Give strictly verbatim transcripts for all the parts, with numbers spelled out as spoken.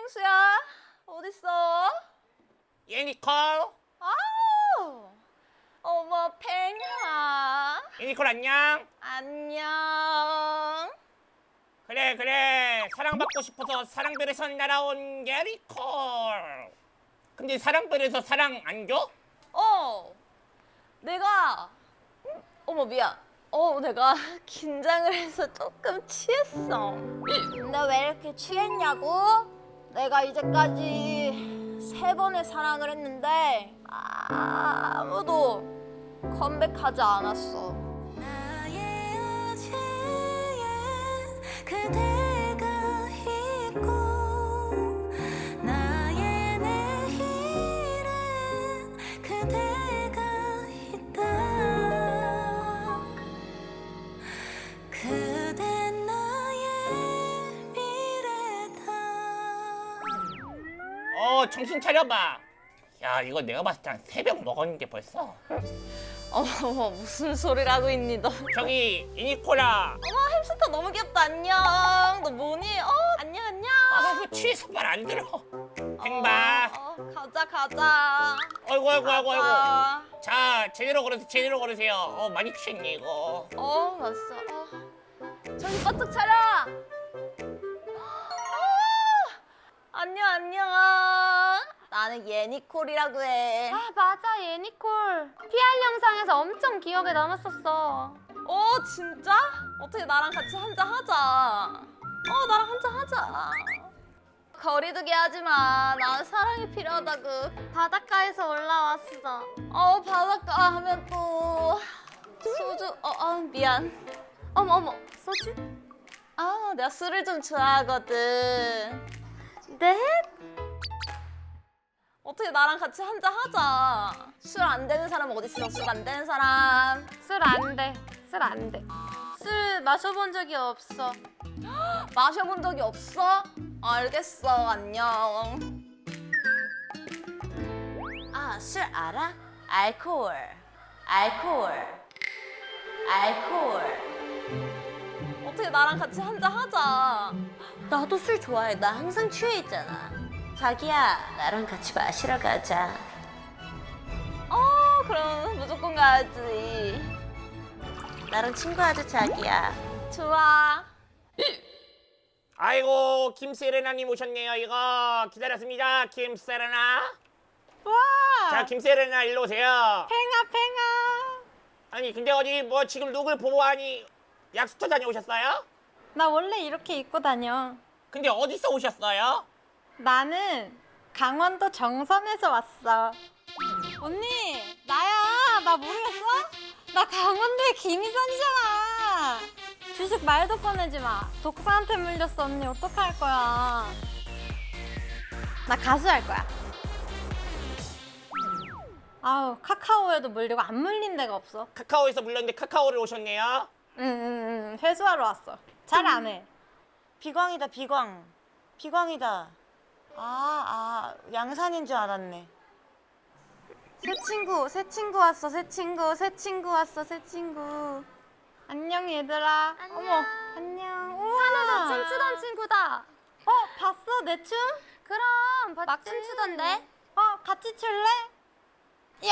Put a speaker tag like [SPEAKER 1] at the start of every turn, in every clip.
[SPEAKER 1] 펭수야, 어딨어?
[SPEAKER 2] 예니콜.
[SPEAKER 1] 아우, 어머 펭아.
[SPEAKER 2] 예니콜 안녕.
[SPEAKER 1] 안녕.
[SPEAKER 2] 그래 그래 사랑받고 싶어서 사랑별에서 날아온 예니콜. 근데 사랑별에서 사랑 안 줘?
[SPEAKER 1] 어, 내가 음, 어머 미안. 어, 내가 긴장을 해서 조금 취했어. 근데 왜 이렇게 취했냐고? 내가 이제까지 세 번의 사랑을 했는데 아무도 컴백하지 않았어.
[SPEAKER 3] 나의 어제엔 그대가 있고 나의 내일엔 그대가 있다. 그댄 나의 미래다.
[SPEAKER 2] 어 정신 차려봐. 야 이거 내가 봤을 때 한 세 병 먹었는데 벌써.
[SPEAKER 1] 어머 무슨 소리를 하고 있니 너?
[SPEAKER 2] 저기 예니콜아.
[SPEAKER 1] 어머 햄스터 너무 귀엽다. 안녕. 너 뭐니? 어 안녕 안녕.
[SPEAKER 2] 아 이거 취해서 말 안 들어. 행봐.
[SPEAKER 1] 어, 어, 가자 가자.
[SPEAKER 2] 어이구 어이구 어이구 어이구.
[SPEAKER 1] 가자.
[SPEAKER 2] 자 제대로 걸으세요 제대로 걸으세요. 어 많이 취했니 이거.
[SPEAKER 1] 어 맞어. 어. 정신 바짝 차려. 어, 안녕 안녕. 나는 예니콜이라고 해.
[SPEAKER 4] 아 맞아 예니콜 피알 영상에서 엄청 기억에 남았었어.
[SPEAKER 1] 어 진짜? 어떻게 나랑 같이 한잔 하자. 어 나랑 한잔 하자. 거리두기 하지 마. 난 사랑이 필요하다고.
[SPEAKER 4] 바닷가에서 올라왔어.
[SPEAKER 1] 어 바닷가 하면 또 소주. 어, 어 미안.
[SPEAKER 4] 어머 어머 소주?
[SPEAKER 1] 아 내가 술을 좀 좋아하거든.
[SPEAKER 4] 네?
[SPEAKER 1] 어떻게 나랑 같이 한잔 하자. 술 안 되는 사람 어디 있어? 술 안 되는 사람.
[SPEAKER 4] 술 안 돼. 술 안 돼. 술 마셔본 적이 없어.
[SPEAKER 1] 마셔본 적이 없어? 알겠어. 안녕.
[SPEAKER 5] 아, 술 알아? 알코올. 알코올. 알코올.
[SPEAKER 1] 어떻게 나랑 같이 한잔 하자.
[SPEAKER 5] 나도 술 좋아해. 나 항상 취해 있잖아. 자기야, 나랑 같이 마시러 가자.
[SPEAKER 1] 어 그럼 무조건 가야지.
[SPEAKER 5] 나랑 친구하자, 자기야.
[SPEAKER 1] 좋아.
[SPEAKER 2] 아이고 김세레나님 오셨네요. 이거 기다렸습니다. 김세레나.
[SPEAKER 4] 와.
[SPEAKER 2] 자 김세레나 일로 오세요.
[SPEAKER 4] 팽아 팽아.
[SPEAKER 2] 아니 근데 어디 뭐 지금 룩을 보고 하니 약수터 다녀오셨어요?
[SPEAKER 4] 나 원래 이렇게 입고 다녀.
[SPEAKER 2] 근데 어디서 오셨어요?
[SPEAKER 4] 나는 강원도 정선에서 왔어. 언니 나야. 나 모르겠어? 나 강원도의 김희선이잖아. 주식 말도 꺼내지 마. 독사한테 물렸어. 언니 어떡할 거야. 나 가수 할 거야. 아우 카카오에도 물리고 안 물린 데가 없어.
[SPEAKER 2] 카카오에서 물렸는데 카카오를 오셨네요.
[SPEAKER 4] 응응응 회수하러 왔어. 잘 안 해.
[SPEAKER 5] 비광이다, 비광. 비광이다. 아, 아, 양산인 줄 알았네.
[SPEAKER 4] 새 친구 새 친구 왔어. 새 친구 새 친구 왔어. 새 친구. 안녕 얘들아.
[SPEAKER 1] 안녕.
[SPEAKER 4] 어머 안녕. 산에서 춤추던 친구다. 어 봤어 내 춤? 그럼 봤지. 막 춤추던데. 어 같이 출래? 야.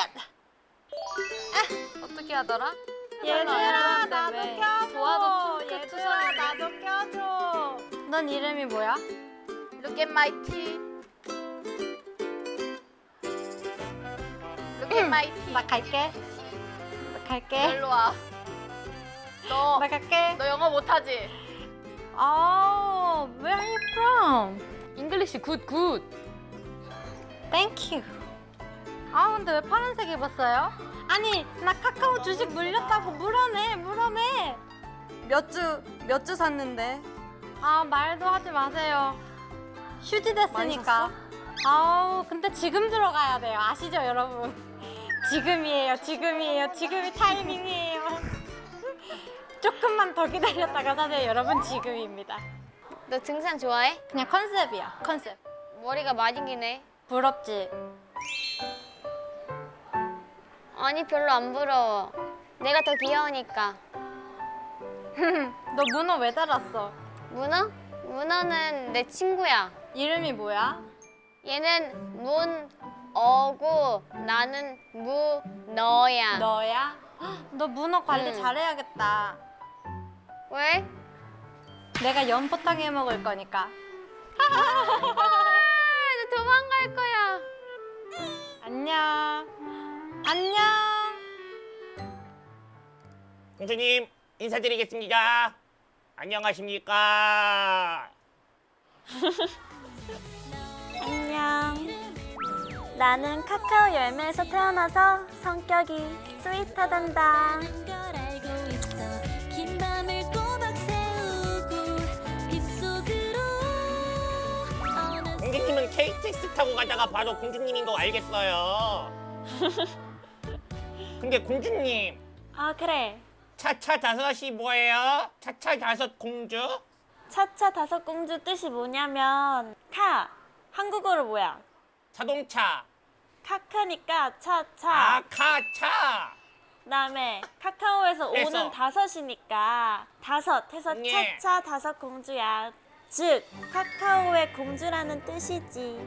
[SPEAKER 1] 어떻게 하더라?
[SPEAKER 4] 얘들아 나도
[SPEAKER 1] 왜?
[SPEAKER 4] 껴줘.
[SPEAKER 1] 도와도 핑크
[SPEAKER 4] 얘들아
[SPEAKER 1] 투성이.
[SPEAKER 4] 나도 껴줘. 넌 이름이 뭐야?
[SPEAKER 1] Look at my tea. Look at my tea.
[SPEAKER 4] 나 갈게. 나 갈게.
[SPEAKER 1] 일로 와. 너,
[SPEAKER 4] 나 갈게.
[SPEAKER 1] 너 영어 못하지?
[SPEAKER 4] Oh, where are you from?
[SPEAKER 1] English good good.
[SPEAKER 4] Thank you. 아 근데 왜 파란색 입었어요? 아니 나 카카오 주식 물렸다고 물어내 물어내. 몇 주 몇 주 샀는데. 아 말도 하지 마세요. 휴지 됐으니까. 아우 근데 지금 들어가야 돼요. 아시죠 여러분? 지금이에요 지금이에요 지금이 타이밍이에요. 조금만 더 기다렸다가 사세요 여러분. 지금입니다.
[SPEAKER 6] 너 등산 좋아해?
[SPEAKER 4] 그냥 컨셉이야 컨셉.
[SPEAKER 6] 머리가 많이 기네.
[SPEAKER 4] 부럽지?
[SPEAKER 6] 아니 별로 안 부러워. 내가 더 귀여우니까.
[SPEAKER 4] 너 문어 왜 달았어?
[SPEAKER 6] 문어? 문어는 내 친구야.
[SPEAKER 4] 이름이 뭐야?
[SPEAKER 6] 얘는 문어고 나는 문어야.
[SPEAKER 4] 너야? 헉, 너 문어 관리
[SPEAKER 6] 응.
[SPEAKER 4] 잘해야겠다.
[SPEAKER 6] 왜?
[SPEAKER 4] 내가 연포탕 해 먹을 거니까.
[SPEAKER 6] 나 도망갈 거야.
[SPEAKER 4] 안녕. 안녕.
[SPEAKER 2] 공주님 인사드리겠습니다. 안녕하십니까?
[SPEAKER 3] 안녕. 나는 카카오 열매에서 태어나서 성격이 스윗하단다. 걸 알고 있어. 긴 밤을 꼬박 세우고 빗속으로 어느
[SPEAKER 2] 공주님은 케이티엑스 타고 가다가 바로 공주님인 거 알겠어요. 근데 공주님
[SPEAKER 3] 아 그래.
[SPEAKER 2] 차차 다섯이 뭐예요? 차차 다섯 공주?
[SPEAKER 3] 차차 다섯 공주 뜻이 뭐냐면 카 한국어로 뭐야?
[SPEAKER 2] 자동차.
[SPEAKER 3] 카카니까 차차.
[SPEAKER 2] 아카차.
[SPEAKER 3] 그다음에 카카오에서
[SPEAKER 2] 그래서.
[SPEAKER 3] 오는 다섯이니까 다섯 해서
[SPEAKER 2] 예.
[SPEAKER 3] 차차 다섯 공주야. 즉 카카오의 공주라는 뜻이지.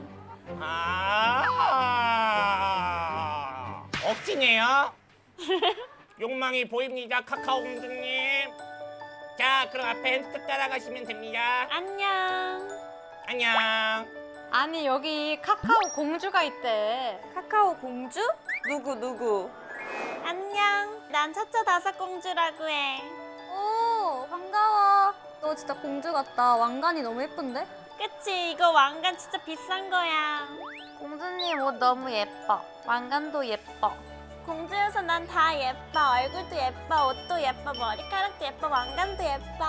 [SPEAKER 2] 아. 억지네요. 욕망이 보입니다, 카카오 공주님. 자, 그럼 앞에 햄스터 따라가시면 됩니다.
[SPEAKER 3] 안녕.
[SPEAKER 2] 안녕.
[SPEAKER 4] 아니 여기 카카오 공주가 있대.
[SPEAKER 3] 카카오 공주? 누구 누구? 안녕. 난 차차 다섯 공주라고 해.
[SPEAKER 4] 오 반가워. 너 진짜 공주 같다. 왕관이 너무 예쁜데?
[SPEAKER 3] 그치? 이거 왕관 진짜 비싼 거야.
[SPEAKER 4] 공주님 옷 너무 예뻐. 왕관도 예뻐.
[SPEAKER 3] 공주여서 난 다 예뻐. 얼굴도 예뻐. 옷도 예뻐. 머리카락도 예뻐. 왕관도 예뻐.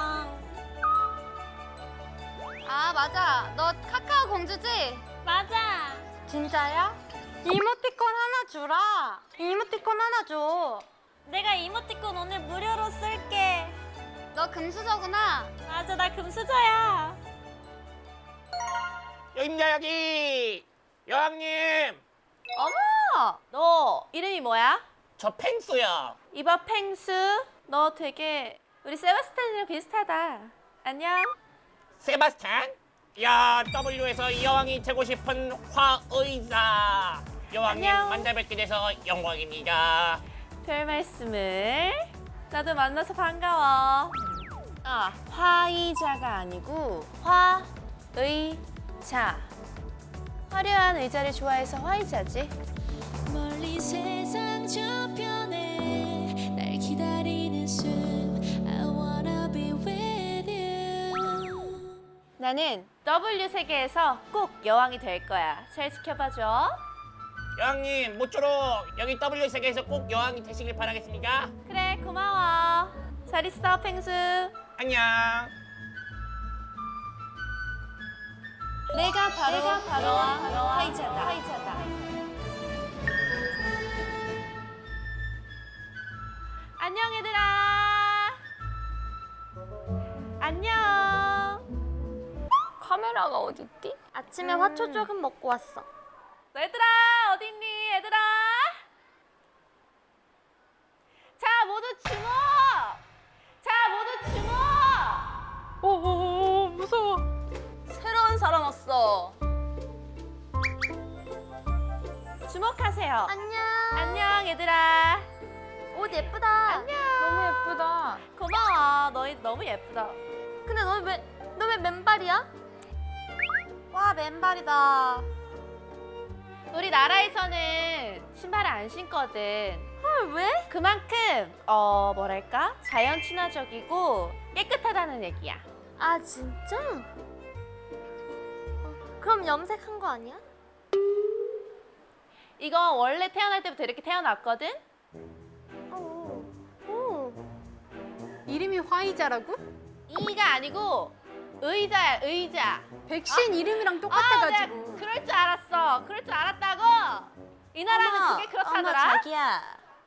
[SPEAKER 4] 아 맞아. 너 카카오 공주지?
[SPEAKER 3] 맞아.
[SPEAKER 4] 진짜야? 이모티콘 하나 주라. 이모티콘 하나 줘.
[SPEAKER 3] 내가 이모티콘 오늘 무료로 쓸게.
[SPEAKER 4] 너 금수저구나.
[SPEAKER 3] 맞아, 나 금수저야.
[SPEAKER 2] 여기입니다, 여기. 여왕님,
[SPEAKER 1] 어머! 너 이름이 뭐야?
[SPEAKER 2] 저 펭수요.
[SPEAKER 1] 이봐 펭수. 너 되게 우리 세바스찬이랑 비슷하다. 안녕.
[SPEAKER 2] 세바스찬? 야, 더블유에서 이 여왕이 되고 싶은 화의사. 여왕님
[SPEAKER 1] 안녕.
[SPEAKER 2] 만나 뵙게 돼서 영광입니다.
[SPEAKER 1] 별 말씀을. 나도 만나서 반가워. 아, 화의자가 아니고 화의자. 화려한 의자를 좋아해서 화의자지.
[SPEAKER 3] 멀리 세상 저편에 날 기다리는 숨 I wanna be with you.
[SPEAKER 1] 나는 더블유 세계에서 꼭 여왕이 될 거야. 잘 지켜봐줘.
[SPEAKER 2] 여왕님, 모쪼록 여기 더블유 세계에서 꼭 여왕이 되시길 바라겠습니다.
[SPEAKER 1] 그래, 고마워. 잘 있어, 펭수.
[SPEAKER 2] 안녕.
[SPEAKER 1] 내가 바로,
[SPEAKER 3] 내가 바로
[SPEAKER 1] 여왕
[SPEAKER 3] 여왕
[SPEAKER 1] 화의자다. 화의자다. 안녕, 얘들아. 안녕.
[SPEAKER 6] 카메라가 어딨지? 아침에 화초 조금 먹고 왔어.
[SPEAKER 1] 얘들아, 어디 있니, 얘들아? 자, 모두 주목! 자, 모두 주목!
[SPEAKER 4] 오오오 무서워.
[SPEAKER 1] 새로운 사람 왔어. 주목하세요.
[SPEAKER 6] 안녕.
[SPEAKER 1] 안녕, 얘들아.
[SPEAKER 6] 옷 예쁘다.
[SPEAKER 1] 안녕.
[SPEAKER 6] 너무 예쁘다.
[SPEAKER 1] 고마워. 너희 너무 예쁘다.
[SPEAKER 6] 근데 너 왜, 너 왜 맨발이야?
[SPEAKER 4] 와 맨발이다.
[SPEAKER 1] 우리 나라에서는 신발을 안 신거든.
[SPEAKER 6] 헐, 왜?
[SPEAKER 1] 그만큼 어 뭐랄까 자연 친화적이고 깨끗하다는 얘기야.
[SPEAKER 6] 아, 진짜? 어, 그럼 염색한 거 아니야?
[SPEAKER 1] 이거 원래 태어날 때부터 이렇게 태어났거든.
[SPEAKER 6] 어. 오.
[SPEAKER 4] 이름이 화이자라고?
[SPEAKER 1] 이가 아니고 의자야, 의자.
[SPEAKER 4] 백신 이름이랑
[SPEAKER 1] 아,
[SPEAKER 4] 똑같아가지고.
[SPEAKER 1] 내가 그럴 줄 알았어. 그럴 줄 알았다고. 이 나라는
[SPEAKER 5] 어머,
[SPEAKER 1] 그게 그렇다더라.
[SPEAKER 5] 어머 자기야.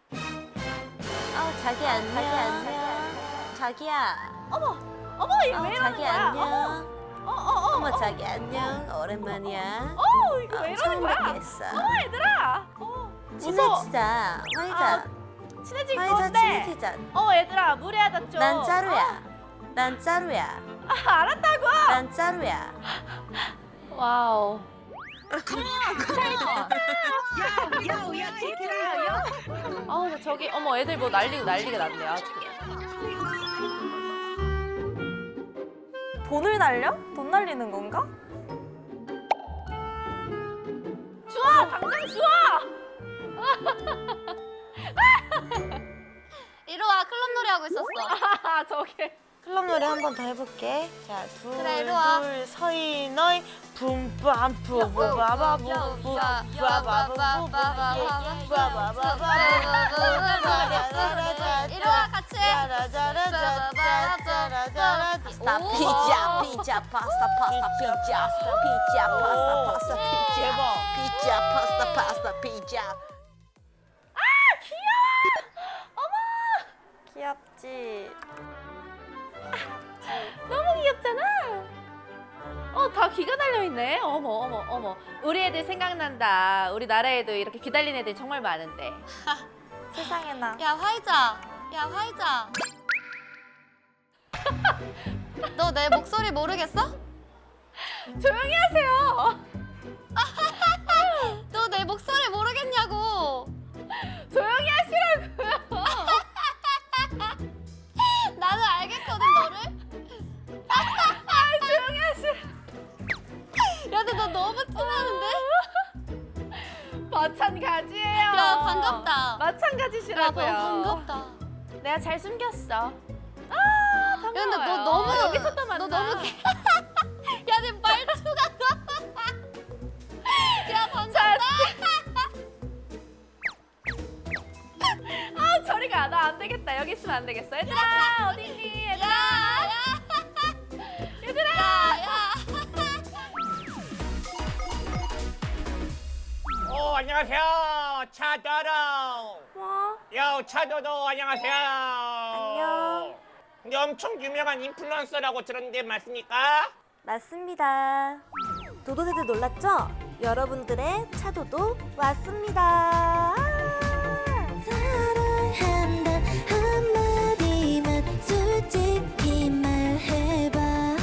[SPEAKER 5] 어 자기 안녕. 자기 안녕. 자기야.
[SPEAKER 1] 어머, 어머, 이거
[SPEAKER 5] 어
[SPEAKER 1] 왜 이러는
[SPEAKER 5] 자기
[SPEAKER 1] 거야?
[SPEAKER 5] 안녕.
[SPEAKER 1] 어머, 어, 어, 어,
[SPEAKER 5] 어머
[SPEAKER 1] 어.
[SPEAKER 5] 자기 안녕. 오랜만이야.
[SPEAKER 1] 어, 이거
[SPEAKER 5] 어,
[SPEAKER 1] 왜 이러는
[SPEAKER 5] 처음
[SPEAKER 1] 거야?
[SPEAKER 5] 뵙겠어.
[SPEAKER 1] 어, 얘들아. 어, 무서워.
[SPEAKER 5] 친해지자. 화이자.
[SPEAKER 1] 친해질
[SPEAKER 5] 화이자
[SPEAKER 1] 건데.
[SPEAKER 5] 친해지자.
[SPEAKER 1] 어, 얘들아, 무례하다 좀.
[SPEAKER 5] 난 짜루야. 난 짜루야.
[SPEAKER 1] 아, 알았다고.
[SPEAKER 5] 난 짜루야.
[SPEAKER 1] 와우. 아우 나 저기 어머 애들 뭐 난리고 난리가 났네 아주.
[SPEAKER 3] 돈을 날려? 돈 날리는 건가?
[SPEAKER 1] 주워 당장 주워.
[SPEAKER 4] 이리 와, 클럽 놀이 하고 있었어.
[SPEAKER 1] 아 저게.
[SPEAKER 3] 클럽 노래 한 번 더 해볼게. 자, 둘,
[SPEAKER 4] 그래, 이리 와.
[SPEAKER 3] 둘, 서이, 너이, 붐밤푸, 부바바부, 부바바바부,
[SPEAKER 4] 이리 와, 같이 해.
[SPEAKER 5] 파스타 피자 피자 파스타 파스타 피자 피자 파스타 파스타 피자 피자 파스타 파스타 피자.
[SPEAKER 3] 귀엽지?
[SPEAKER 1] 너무 귀엽잖아. 어, 다 귀가 달려 있네. 어머, 어머, 어머. 우리 애들 생각난다. 우리 나라에도 이렇게 귀 달린 애들이 정말 많은데.
[SPEAKER 3] 세상에나.
[SPEAKER 4] 야, 화이자. 야, 화이자. 너 내 목소리 모르겠어?
[SPEAKER 1] 조용히 하세요.
[SPEAKER 4] 너 내 목소리 모르겠냐고.
[SPEAKER 1] 조용히 하시라고요.
[SPEAKER 4] 나는 알겠거든, 너를.
[SPEAKER 1] 아, 조용히 하시.
[SPEAKER 4] 야, 근데 너 너무 티나는데?
[SPEAKER 1] 마찬가지예요.
[SPEAKER 4] 야, 반갑다. 야,
[SPEAKER 1] 마찬가지시라고요.
[SPEAKER 4] 너 반갑다.
[SPEAKER 1] 내가 잘 숨겼어. 아,
[SPEAKER 4] 야, 근데 너
[SPEAKER 1] 반가워요.
[SPEAKER 4] 너무
[SPEAKER 1] 여기서 또 만나.
[SPEAKER 4] 너 너무 개- 야, 내 말투가 야, 반갑다.
[SPEAKER 1] 아, 저리 가. 나 안 되겠다. 여기 있으면 안 되겠어. 얘들아, 어디 있니?
[SPEAKER 4] 야,
[SPEAKER 1] 얘들아.
[SPEAKER 4] 야.
[SPEAKER 1] 얘들아.
[SPEAKER 4] 야, 야.
[SPEAKER 2] 오 안녕하세요 차도도.
[SPEAKER 3] 뭐?
[SPEAKER 2] 요 차도도 안녕하세요.
[SPEAKER 3] 안녕.
[SPEAKER 2] 근데 엄청 유명한 인플루언서라고 들었는데 맞습니까?
[SPEAKER 3] 맞습니다. 도도새들 놀랐죠? 여러분들의 차도도 왔습니다.
[SPEAKER 7] 사랑한다 한마디만 솔직히 말해봐.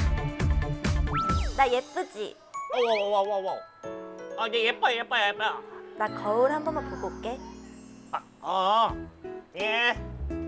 [SPEAKER 3] 나 예쁘지?
[SPEAKER 2] 오오오오오. 아, 네 예뻐 예뻐 예뻐.
[SPEAKER 3] 나 거울 한 번만 보고 올게.
[SPEAKER 2] 아, 어, 예.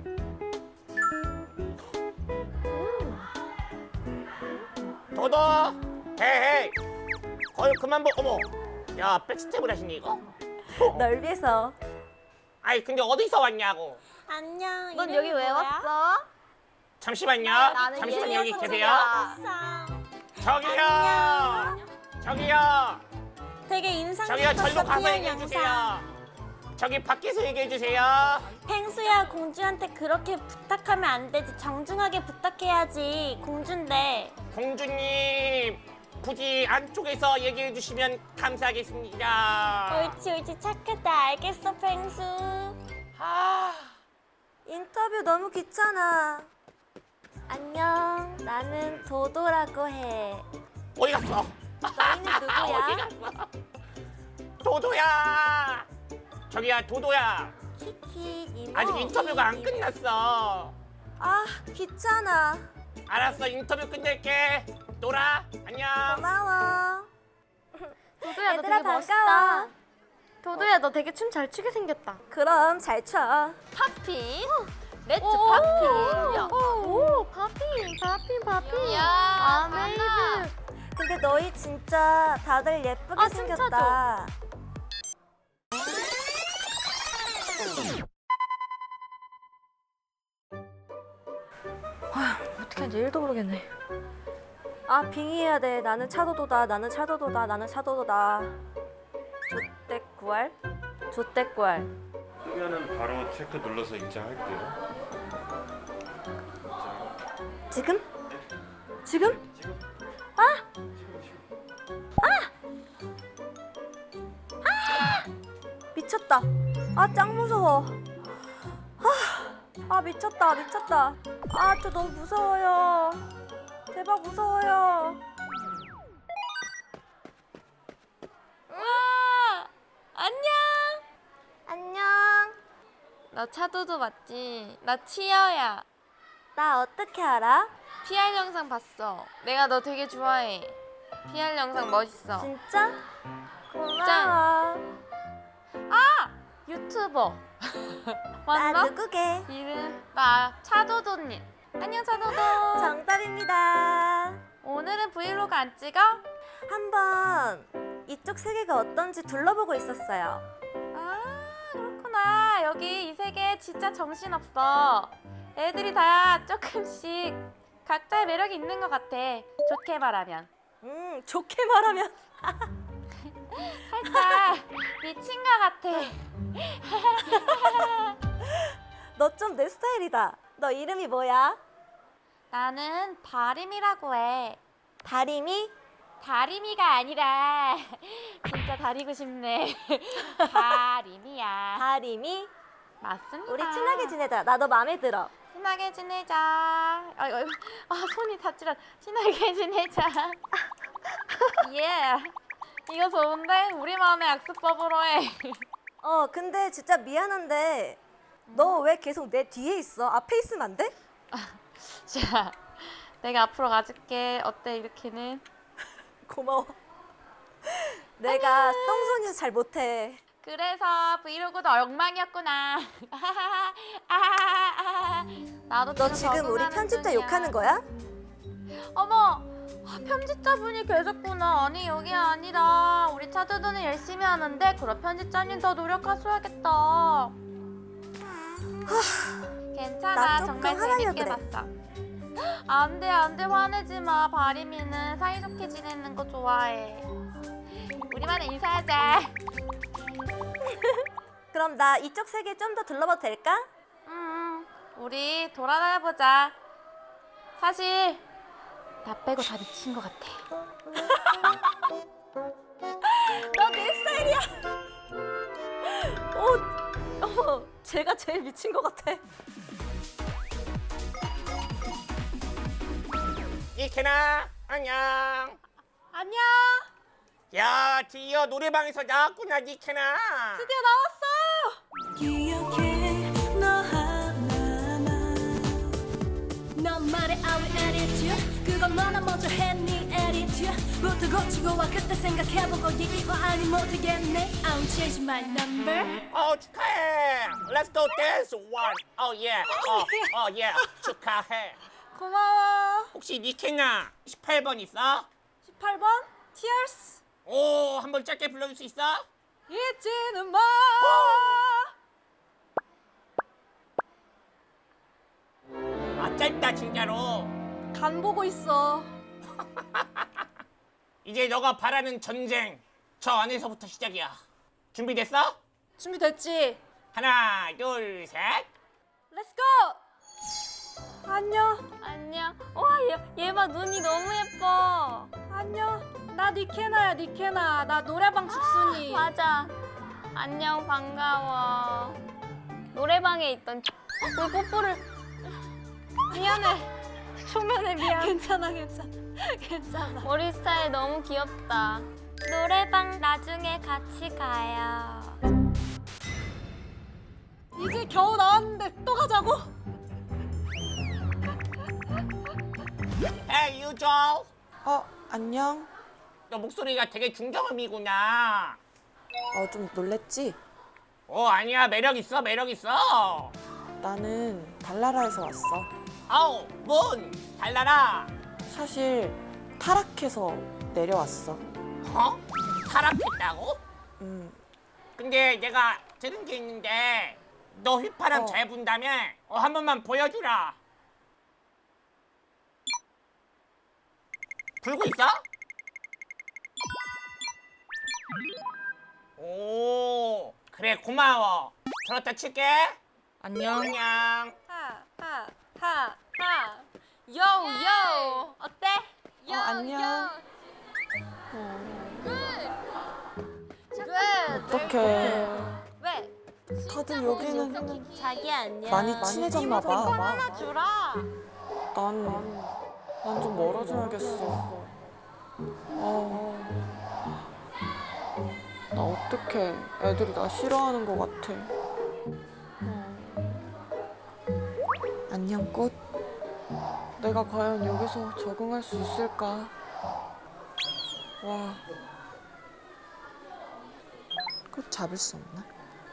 [SPEAKER 2] 도도, 헤이, 거울 그만 보. 어머, 야 백스텝을 하시니 이거?
[SPEAKER 3] 널 위해서.
[SPEAKER 2] 아이 근데 어디서 왔냐고?
[SPEAKER 3] 안녕.
[SPEAKER 1] 넌 여기 왜 왔어?
[SPEAKER 2] 잠시만요.
[SPEAKER 1] 나는
[SPEAKER 2] 잠시만 여기
[SPEAKER 1] 예리한
[SPEAKER 2] 계세요.
[SPEAKER 1] 소리야.
[SPEAKER 2] 저기요. 저기요.
[SPEAKER 3] 되게 인상
[SPEAKER 2] 저기요 절로
[SPEAKER 3] 깊었어,
[SPEAKER 2] 가서
[SPEAKER 3] 피한
[SPEAKER 2] 얘기해
[SPEAKER 3] 영상.
[SPEAKER 2] 주세요. 저기 밖에서 얘기해 주세요.
[SPEAKER 3] 펭수야, 공주한테 그렇게 부탁하면 안 되지. 정중하게 부탁해야지. 공주인데.
[SPEAKER 2] 공주님, 부디 안쪽에서 얘기해 주시면 감사하겠습니다.
[SPEAKER 3] 옳지, 옳지. 착하다. 알겠어, 펭수.
[SPEAKER 2] 아,
[SPEAKER 3] 인터뷰 너무 귀찮아. 안녕. 나는 도도라고 해.
[SPEAKER 2] 어디 갔어?
[SPEAKER 3] 너희는
[SPEAKER 2] 어디
[SPEAKER 3] 누구야?
[SPEAKER 2] 갔어? 도도야. 저기야 도도야.
[SPEAKER 3] 키키, 이모.
[SPEAKER 2] 아직 인터뷰가 안 끝났어.
[SPEAKER 3] 아, 귀찮아.
[SPEAKER 2] 알았어, 인터뷰 끝낼게. 놀아. 안녕.
[SPEAKER 3] 고마워.
[SPEAKER 4] 도도야, 너
[SPEAKER 3] 얘들아,
[SPEAKER 4] 되게 멋있다.
[SPEAKER 3] 반가워.
[SPEAKER 4] 도도야, 너 되게 춤 잘 추게 생겼다.
[SPEAKER 3] 그럼 잘 춰.
[SPEAKER 4] 팝핀.
[SPEAKER 1] 렛츠
[SPEAKER 4] 오,
[SPEAKER 1] 파피.
[SPEAKER 4] 야. 오, 팝핀, 팝핀, 팝핀.
[SPEAKER 1] 야,
[SPEAKER 4] 아메이드.
[SPEAKER 3] 근데 너희 진짜 다들 예쁘게
[SPEAKER 4] 아,
[SPEAKER 3] 생겼다. 어떻게 하는지 일도 모르겠네. 아, 빙의해야 돼. 나는 차도도다. 나는 차도도다. 나는 차도도다. 조떼꾸알? 조떼꾸알.
[SPEAKER 8] 뜨면은 바로 체크 눌러서 입장할게요.
[SPEAKER 3] 지금? 지금? 아! 아! 아! 미쳤다. 아, 짱 무서워. 아, 아 미쳤다. 미쳤다. 아, 저 너무 무서워요. 대박 무서워요.
[SPEAKER 4] 우와, 안녕.
[SPEAKER 3] 안녕.
[SPEAKER 4] 너 차도도 맞지? 나 치어야.
[SPEAKER 3] 나 어떻게 알아?
[SPEAKER 4] 피알 영상 봤어. 내가 너 되게 좋아해. 피알 영상 멋있어.
[SPEAKER 3] 진짜? 고마워.
[SPEAKER 4] 유튜버.
[SPEAKER 3] 나
[SPEAKER 4] 맞나?
[SPEAKER 3] 누구게?
[SPEAKER 4] 이름 나 차도도님. 안녕 차도도.
[SPEAKER 3] 정답입니다.
[SPEAKER 4] 오늘은 브이로그 안 찍어?
[SPEAKER 3] 한번 이쪽 세계가 어떤지 둘러보고 있었어요.
[SPEAKER 4] 아 그렇구나. 여기 이 세계 진짜 정신없어. 애들이 다 조금씩 각자의 매력이 있는 것 같아. 좋게 말하면.
[SPEAKER 3] 음, 좋게 말하면
[SPEAKER 4] 살짝 미친 것 같아.
[SPEAKER 3] 너 좀 내 스타일이다. 너 이름이 뭐야?
[SPEAKER 4] 나는 다림이라고 해.
[SPEAKER 3] 다림이?
[SPEAKER 4] 다림이가 아니라 진짜 다리고 싶네. 다림이야.
[SPEAKER 3] 다림이?
[SPEAKER 4] 맞습니다.
[SPEAKER 3] 우리 친하게 지내자. 나 너 마음에 들어.
[SPEAKER 4] 친하게 지내자. 아, 아, 아 손이 다치라. 친하게 지내자. 예. 이거 좋은데? 우리 마음의 악수법으로 해.
[SPEAKER 3] 어, 근데 진짜 미안한데 너 왜 계속 내 뒤에 있어? 앞에 있으면 안 돼?
[SPEAKER 4] 자, 내가 앞으로 가줄게. 어때 이렇게는?
[SPEAKER 3] 고마워. 내가 똥손이서 잘 못해.
[SPEAKER 4] 그래서 브이로그도 엉망이었구나. 아하하하. 나도
[SPEAKER 3] 너 지금 우리
[SPEAKER 4] 적응하는
[SPEAKER 3] 편집자
[SPEAKER 4] 중이야.
[SPEAKER 3] 욕하는 거야?
[SPEAKER 4] 어머, 아, 편집자분이 계셨구나. 아니 여기 아니라 우리 차두두는 열심히 하는데 그럼 편집자님 더 노력하셔야겠다. 괜찮아,
[SPEAKER 3] 나 조금
[SPEAKER 4] 정말
[SPEAKER 3] 화나려
[SPEAKER 4] 재밌게
[SPEAKER 3] 그래.
[SPEAKER 4] 봤어. 안돼 안돼 화내지 마. 바리미는 사이좋게 지내는 거 좋아해. 우리만의 인사하자.
[SPEAKER 3] 그럼 나 이쪽 세계 좀 더 둘러봐도 될까?
[SPEAKER 4] 음, 우리 돌아다녀보자. 사실 나 빼고 다 미친 것 같아.
[SPEAKER 3] 너 내 스타일이야. 어, 어머, 제가 제일 미친 것 같아.
[SPEAKER 2] 이케나 안녕.
[SPEAKER 4] 안녕.
[SPEAKER 2] 야 드디어 노래방에서 나왔구나 니케나.
[SPEAKER 4] 드디어 나왔어.
[SPEAKER 7] 기억해 너 하나만 너만의 아위 attitude 그건 너나 먼저 했니 attitude 부터 고치고 와 그때 생각해보고 이거 아니 못하겠네 I'll change my number
[SPEAKER 2] 어 축하해. Let's go dance one. Oh yeah. 어, 어 yeah. 축하해.
[SPEAKER 4] 고마워.
[SPEAKER 2] 혹시 니케나 십팔 번 있어?
[SPEAKER 4] 십팔 번 Tears.
[SPEAKER 2] 오, 한번 짧게 불러줄 수 있어?
[SPEAKER 4] 잊지는 마.
[SPEAKER 2] 아 짧다 진짜로.
[SPEAKER 3] 간 보고 있어.
[SPEAKER 2] 이제 너가 바라는 전쟁 저 안에서부터 시작이야. 준비됐어?
[SPEAKER 3] 준비됐지?
[SPEAKER 2] 하나 둘 셋.
[SPEAKER 3] Let's go.
[SPEAKER 4] 안녕.
[SPEAKER 1] 안녕. 와, 얘, 얘 봐. 눈이 너무 예뻐.
[SPEAKER 4] 안녕. 나 니케나야 니케나. 나 노래방 집순이.
[SPEAKER 1] 맞아. 안녕, 반가워. 노래방에 있던 어, 우리 뽀뽀를
[SPEAKER 4] 미안해. 초면에 미안. 괜찮아 괜찮아. 괜찮아.
[SPEAKER 1] 머리 스타일 너무 귀엽다.
[SPEAKER 4] 노래방 나중에 같이 가요.
[SPEAKER 3] 이제 겨우 나왔는데 또 가자고?
[SPEAKER 2] Hey 유조.
[SPEAKER 9] 어, 안녕.
[SPEAKER 2] 너 목소리가 되게 중저음이구나.
[SPEAKER 9] 어, 좀 놀랬지?
[SPEAKER 2] 어 아니야 매력 있어 매력 있어.
[SPEAKER 9] 나는 달나라에서 왔어.
[SPEAKER 2] 아우 문 달라라.
[SPEAKER 9] 사실 타락해서 내려왔어.
[SPEAKER 2] 어? 타락했다고?
[SPEAKER 9] 음,
[SPEAKER 2] 근데 내가 들은 게 있는데 너 휘파람
[SPEAKER 9] 어.
[SPEAKER 2] 잘 분다며? 어, 한 번만 보여주라. 불고 있어? 오 그래 고마워. 저렇다 칠게.
[SPEAKER 9] 안녕.
[SPEAKER 2] 안녕.
[SPEAKER 4] 하하하하. 요요. 어때?
[SPEAKER 9] 어, 안녕. 어떡해.
[SPEAKER 4] 왜?
[SPEAKER 9] 다들 여기는
[SPEAKER 3] 자기 안녕.
[SPEAKER 9] 많이 친해졌나 봐.
[SPEAKER 4] 하나 주라.
[SPEAKER 9] 난, 난 좀 멀어져야겠어. 어, 나 어떡해. 애들이 나 싫어하는 것 같아. 안녕, 꽃. 내가 과연 여기서 적응할 수 있을까? 와. 꼭 잡을 수 없나?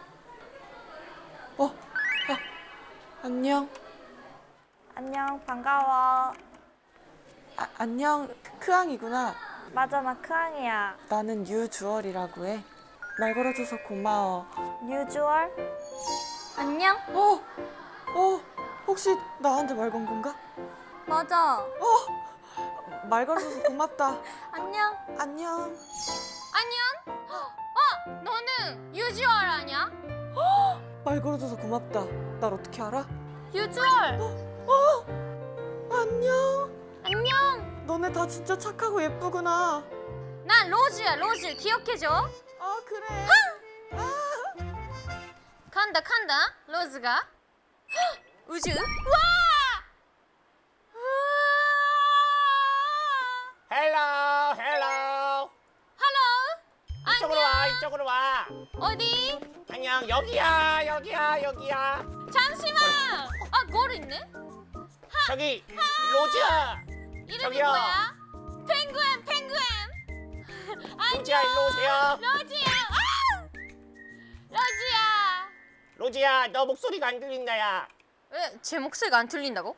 [SPEAKER 9] 어, 아, 안녕.
[SPEAKER 3] 안녕, 반가워.
[SPEAKER 9] 아, 안녕, 크앙이구나.
[SPEAKER 3] 맞아, 나 크앙이야.
[SPEAKER 9] 나는 유주얼이라고 해. 말 걸어줘서 고마워.
[SPEAKER 3] 유주얼? 안녕?
[SPEAKER 9] 어, 어, 혹시 나한테 말 건 건가?
[SPEAKER 3] 맞아.
[SPEAKER 9] 말 걸어줘서 고맙다.
[SPEAKER 3] 안녕.
[SPEAKER 9] 안녕.
[SPEAKER 4] 안녕? 어, 너는 유주얼 아니야?
[SPEAKER 9] 말 걸어줘서 고맙다. 날 어떻게 알아?
[SPEAKER 4] 유주얼.
[SPEAKER 9] 안녕.
[SPEAKER 4] 안녕.
[SPEAKER 9] 너네 다 진짜 착하고 예쁘구나.
[SPEAKER 4] 난 로즈야, 로즈. 기억해줘.
[SPEAKER 9] 아, 그래.
[SPEAKER 4] 간다, 간다. 로즈가. 헉, 우주. 와!
[SPEAKER 2] 헬로 헬로.
[SPEAKER 4] 할로.
[SPEAKER 2] 이쪽으로 와 이쪽으로 와.
[SPEAKER 4] 어디?
[SPEAKER 2] 안녕 여기야 여기야 여기야.
[SPEAKER 4] 잠시만. 아, 뭘 있네?
[SPEAKER 2] 저기 로즈야.
[SPEAKER 4] 이름이
[SPEAKER 2] 저기요.
[SPEAKER 4] 뭐야? 펭귄, 펭귄.
[SPEAKER 2] 로즈야 일로 오세요.
[SPEAKER 4] 로즈야. 아! 로즈야.
[SPEAKER 2] 로즈야 너 목소리가 안 들린다야.
[SPEAKER 4] 왜 제 목소리가 안 들린다고?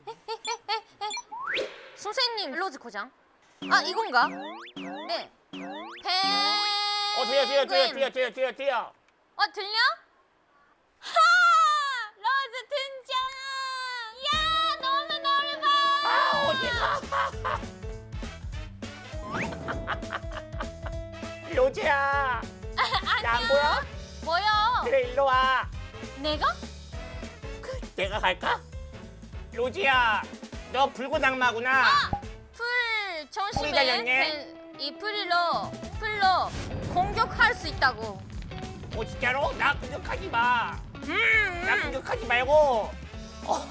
[SPEAKER 4] 선생님, 로즈 고장. 아, 이건가? 네. 펭.
[SPEAKER 2] 어 들려 들려 들려 들려 들려 들려 들려.
[SPEAKER 4] 어, 들려? 하! 로즈 등장! 야, 너무 넓어!
[SPEAKER 2] 아 어디가? 로즈야. 나 안 보여?
[SPEAKER 4] 뭐야?
[SPEAKER 2] 그래 일로 와.
[SPEAKER 4] 내가?
[SPEAKER 2] 내가 갈까? 로즈야 너 붉은 악마구나.
[SPEAKER 4] 풀
[SPEAKER 2] 풀이
[SPEAKER 4] 조심해.
[SPEAKER 2] 달렸네.
[SPEAKER 4] 그, 이 풀로 풀로 공격할 수 있다고.
[SPEAKER 2] 어 진짜로? 나 공격하지 마.
[SPEAKER 4] 음,
[SPEAKER 2] 나 공격하지 말고. 어.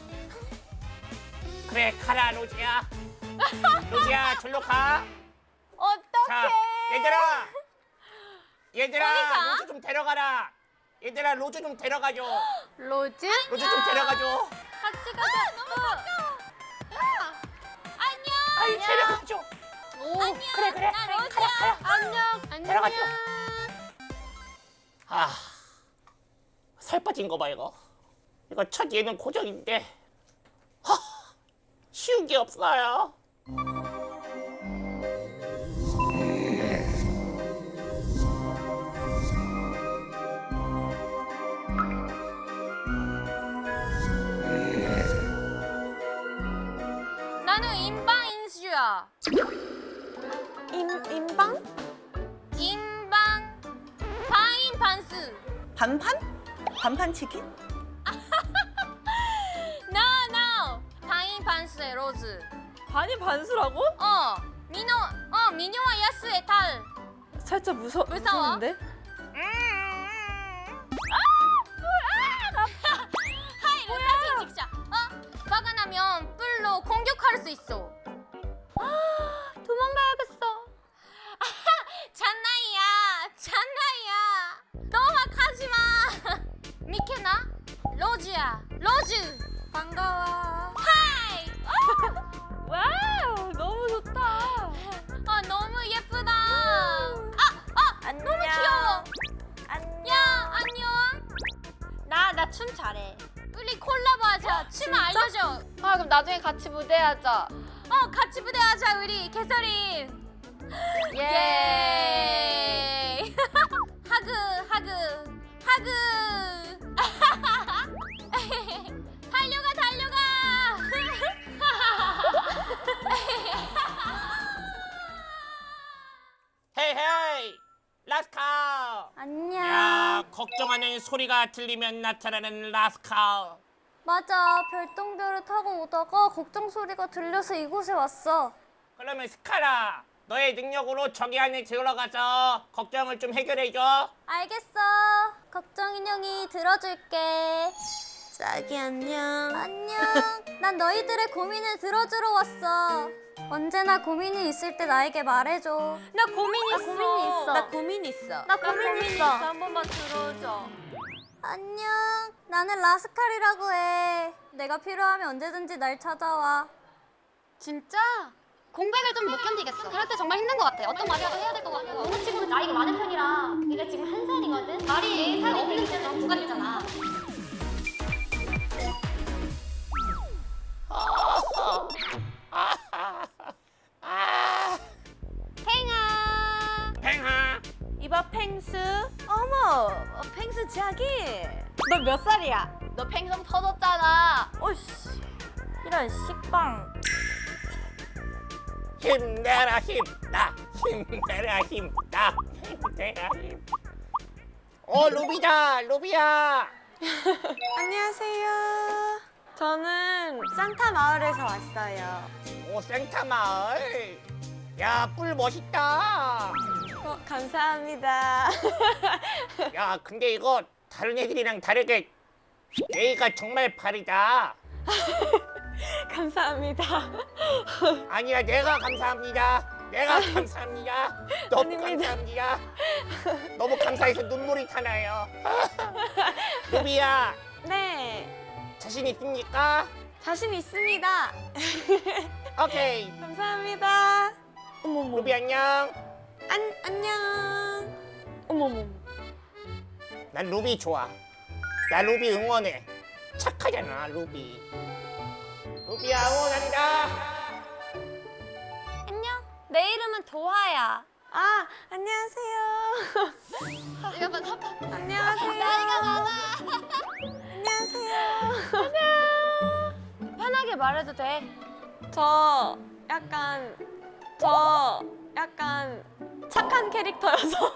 [SPEAKER 2] 그래 가라 로즈야. 로즈야 절로 가.
[SPEAKER 4] 어떡해?
[SPEAKER 2] 자 얘들아. 얘들아
[SPEAKER 4] 어디가?
[SPEAKER 2] 로즈 좀 데려가라. 얘들아 로즈 좀 데려가줘.
[SPEAKER 4] 로즈?
[SPEAKER 2] 로즈 좀 데려가줘.
[SPEAKER 4] 같이 가자. 너무 가까워. 안녕.
[SPEAKER 2] 아이 데려가줘.
[SPEAKER 4] 오,
[SPEAKER 2] 그래 그래.
[SPEAKER 4] 나 로즈야. 안녕. 안녕.
[SPEAKER 2] 데려가줘. 아, 살 빠진 거 봐 이거. 이거 첫 예능 고정인데 하, 쉬운 게 없어요.
[SPEAKER 4] 나는 인방 인수야.
[SPEAKER 5] 임, 임방?
[SPEAKER 4] 인방 바인 반스.
[SPEAKER 5] 반판? 반판 치킨?
[SPEAKER 4] No no. 바인 반스의 로즈.
[SPEAKER 3] 반이 반수라고?
[SPEAKER 4] 어. 민호 어 민호와 야스의 딸.
[SPEAKER 3] 살짝 무서,
[SPEAKER 4] 무서워?
[SPEAKER 3] 무서운데?
[SPEAKER 4] 하이, 사진 찍자. 어? 화가 나면 뿔로 공격할 수 있어.
[SPEAKER 3] 도망가야겠어.
[SPEAKER 4] 잔나이야, 잔나이야. 너무 하지 마. 미케나, 로즈야, 로즈. 반가워. 하이.
[SPEAKER 3] 와우, 너무 좋다.
[SPEAKER 4] 어, 너무 예쁘다. 아, 아,
[SPEAKER 3] 안녕.
[SPEAKER 4] 너무 귀여워.
[SPEAKER 3] 안녕.
[SPEAKER 4] 야, 안녕. 나, 나 춤 잘해. 우리 콜라보하자. 춤 알려줘.
[SPEAKER 1] 아 그럼 나중에 같이 무대하자.
[SPEAKER 4] 어, 같이 무대하자 우리 개설이.
[SPEAKER 1] 예.
[SPEAKER 4] 예. 하그, 하그, 하그. 달려가, 달려가.
[SPEAKER 2] 헤이 헤이 라스칼.
[SPEAKER 3] 안녕.
[SPEAKER 2] 야 걱정하는 소리가 들리면 나타나는 라스칼.
[SPEAKER 3] 맞아, 별똥별을 타고 오다가 걱정 소리가 들려서 이곳에 왔어.
[SPEAKER 2] 그러면 스카라 너의 능력으로 저기 안에 들어가서 걱정을 좀 해결해줘.
[SPEAKER 3] 알겠어. 걱정 인형이 들어줄게.
[SPEAKER 5] 짝이 안녕.
[SPEAKER 3] 안녕. 난 너희들의 고민을 들어주러 왔어. 언제나 고민이 있을 때 나에게 말해줘.
[SPEAKER 4] 나 고민 있어.
[SPEAKER 3] 고민이 있어.
[SPEAKER 5] 나 고민 있어.
[SPEAKER 3] 나 고민 있어.
[SPEAKER 4] 한 번만 들어줘.
[SPEAKER 3] 안녕. 나는 라스칼이라고 해. 내가 필요하면 언제든지 날 찾아와.
[SPEAKER 4] 진짜?
[SPEAKER 6] 공백을 좀 못 견디겠어. 그럴 때 정말 힘든 것 같아. 어떤 말이라도 해야 될 것 같고. 너무 치고는 나이가 많은 편이라 내가 지금 한 살이거든. 말이 살이 없는 이제는 구간이잖아. 팽아.
[SPEAKER 2] 팽아.
[SPEAKER 3] 이봐 펭수. 어머, 어, 펭수 자기.
[SPEAKER 4] 너 몇 살이야?
[SPEAKER 1] 너 팽성 터졌잖아.
[SPEAKER 3] 오씨, 이런 식빵.
[SPEAKER 2] 힘내라 힘나. 힘내라 힘나. 힘내라 힘. 어 루비다 루비야.
[SPEAKER 9] 안녕하세요. 저는 산타 마을에서 왔어요.
[SPEAKER 2] 오 생타 마을. 야 뿔 멋있다.
[SPEAKER 9] 어, 감사합니다.
[SPEAKER 2] 야 근데 이거 다른 애들이랑 다르게 예의가 정말 바르다.
[SPEAKER 9] 감사합니다.
[SPEAKER 2] 아니야 내가 감사합니다. 내가 감사합니다. 너무
[SPEAKER 9] 아닙니다.
[SPEAKER 2] 감사합니다. 너무 감사해서 눈물이 타나요. 루비야
[SPEAKER 9] 네,
[SPEAKER 2] 자신 있습니까?
[SPEAKER 9] 자신 있습니다.
[SPEAKER 2] 오케이.
[SPEAKER 9] 감사합니다. 어머머.
[SPEAKER 2] 루비 안녕.
[SPEAKER 9] 안 안녕. 어머머.
[SPEAKER 2] 난 루비 좋아. 나 루비 응원해. 착하잖아 루비. 루비야 응원한다.
[SPEAKER 1] 안녕. 내 이름은 도하야.
[SPEAKER 9] 아, 안녕하세요.
[SPEAKER 1] 이거 봐, 봐.
[SPEAKER 9] 안녕하세요.
[SPEAKER 1] 나이가 많아.
[SPEAKER 9] 안녕하세요.
[SPEAKER 1] 편하게 말해도 돼.
[SPEAKER 9] 저 약간 저 약간 착한 캐릭터여서.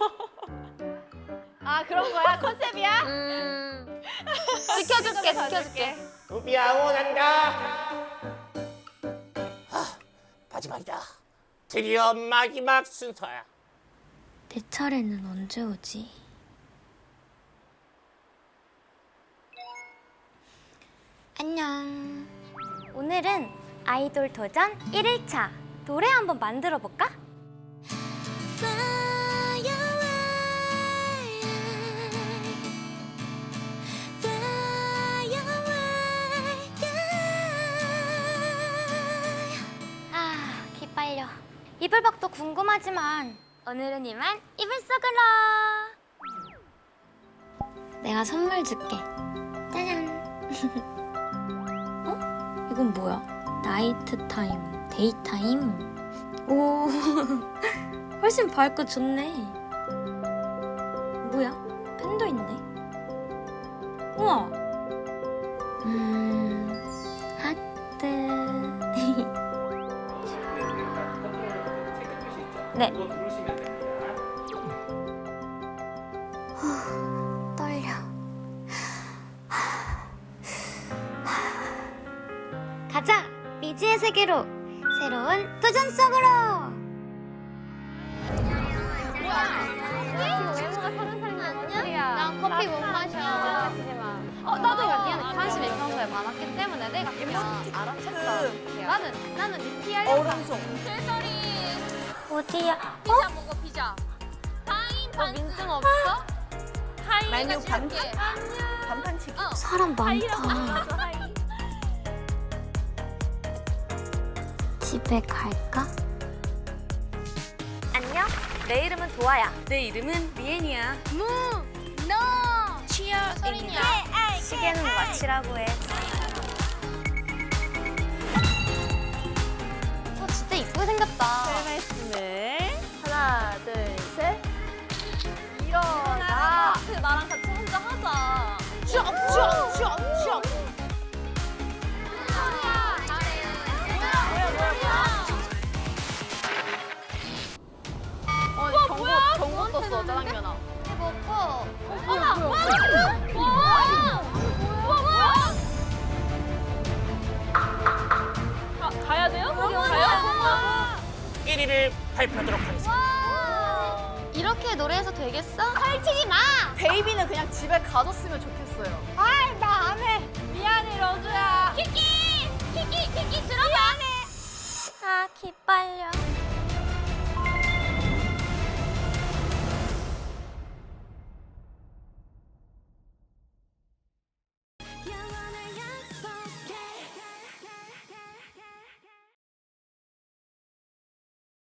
[SPEAKER 1] 아 그런 거야? 컨셉이야? 음. 지켜줄게, 지켜줄게.
[SPEAKER 2] 루비야 응원한다. 아, 마지막이다. 드디어 마지막 순서야.
[SPEAKER 6] 내 차례는 언제 오지? 안녕. 오늘은 아이돌 도전 일 일차. 노래 한번 만들어 볼까? 아, 기빨려. 이불박도 궁금하지만 오늘은 이만 이불 속으로. 내가 선물 줄게. 짜잔. 어? 이건 뭐야? 나이트 타임, 데이 타임. 오, 훨씬 밝고 좋네. 뭐야? 펜도 있네. 우와. 음, 하트. 네. 후, 떨려. 가자! 미지의 세계로! 새로운 도전 속으로!
[SPEAKER 1] 외모가 서른 살이나 언니야. 난 커피 못 마셔. 어, 나도 미안해. 관심이 평소에 많았기 때문에 내가 그냥 알아챘다. 나는 나는 네 피하려고.
[SPEAKER 9] 얼음송.
[SPEAKER 6] 어디야?
[SPEAKER 1] 피자 먹어 피자. 파인 너 민증 없어?
[SPEAKER 9] 메뉴 반 반판치기.
[SPEAKER 6] 사람 많다. 집에 갈까?
[SPEAKER 3] 안녕. 내 이름은 도아야.
[SPEAKER 9] 내 이름은 리엔이야.
[SPEAKER 1] 무, 너. 치어 소리냐?
[SPEAKER 3] 시계는 마치라고 해.
[SPEAKER 6] 어, 진짜 이쁘게 생겼다.
[SPEAKER 9] 말씀을.
[SPEAKER 3] 하나, 둘, 셋.
[SPEAKER 1] 일어나. 그 나랑 같이 혼자 하자.
[SPEAKER 5] 쭈쭈쭈쭈.
[SPEAKER 1] 어, 경고, 경고 떴어, 짜장면아.
[SPEAKER 6] 먹고.
[SPEAKER 1] 어머, 뭐야? 뭐야? 뭐야?
[SPEAKER 3] 가, 가야 돼요? 거기 가요?
[SPEAKER 2] 일 위를 발표하도록 하겠습니다.
[SPEAKER 6] 이렇게 노래해서 되겠어? 펼치지 마!
[SPEAKER 1] 베이비는 그냥 집에 가뒀으면 좋겠어요.
[SPEAKER 6] 아이, 나 안 해. 미안해, 러주야. 키키! 키키, 키키, 들어봐. 미안해. 아, 기빨려.